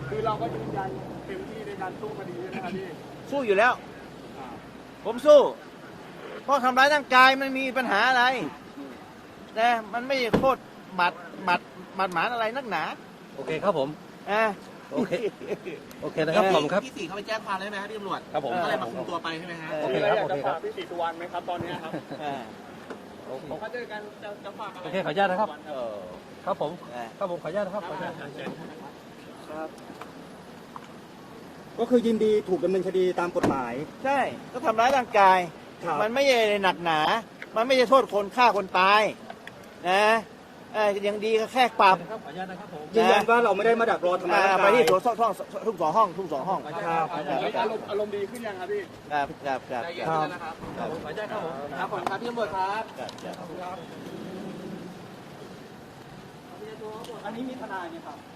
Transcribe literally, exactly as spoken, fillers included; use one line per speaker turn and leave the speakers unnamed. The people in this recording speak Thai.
คือเราก็ยืนยันเต็มที่ในการสู้คดีนะครับพี่
สู้อยู่แล้วผมสู้เพราะทำร้ายร่างกายมันมีปัญหาอะไรนะมันไม่โคตรบาดบาดบาดหมางอะไรนักหนา
โอเคครับผม
อ่า
โอเคโอเคนะครับผมครับ
พี่ศรีเขาไปแจ้งความได้ไหมครับพี่ตำรวจ
ครับผม
ก็เลยมาคุมตัวไปใช่ไหมฮะ
โอเคครับโอเคครับ
พี่ศรีสุวรรณไหมครับตอนนี้ครับผมเขาเจอกันจะจะฝากอะไร
โอเคขออนุญาตนะครับครับผมครับผมขออนุญาตนะครับขออนุญาต
ครับก็คือยินดีถูกดำเนินคดีตามกฎหมาย
ใช่ก็ทำร้ายร่างกายมันไม่ใช่หนักหนามันไม่ใช่โทษคนฆ่าคนตายนะยังดีก็แค่ปรับ
ยืนยันว่าเราไม่ได้มาดักรอทำร้ายร่างกาย
ไปที่สองห้องทุกสองห้องทุกสองห้อง
ครับอารมณ์อารมณ์ดีขึ้นยังครับพี่
ครับครับครับ
ใจเย็นๆนะครับขออนุญาตครับผมครับผมครับพี่ตำรวจครับ
อันนี้มีทนายไหมครับ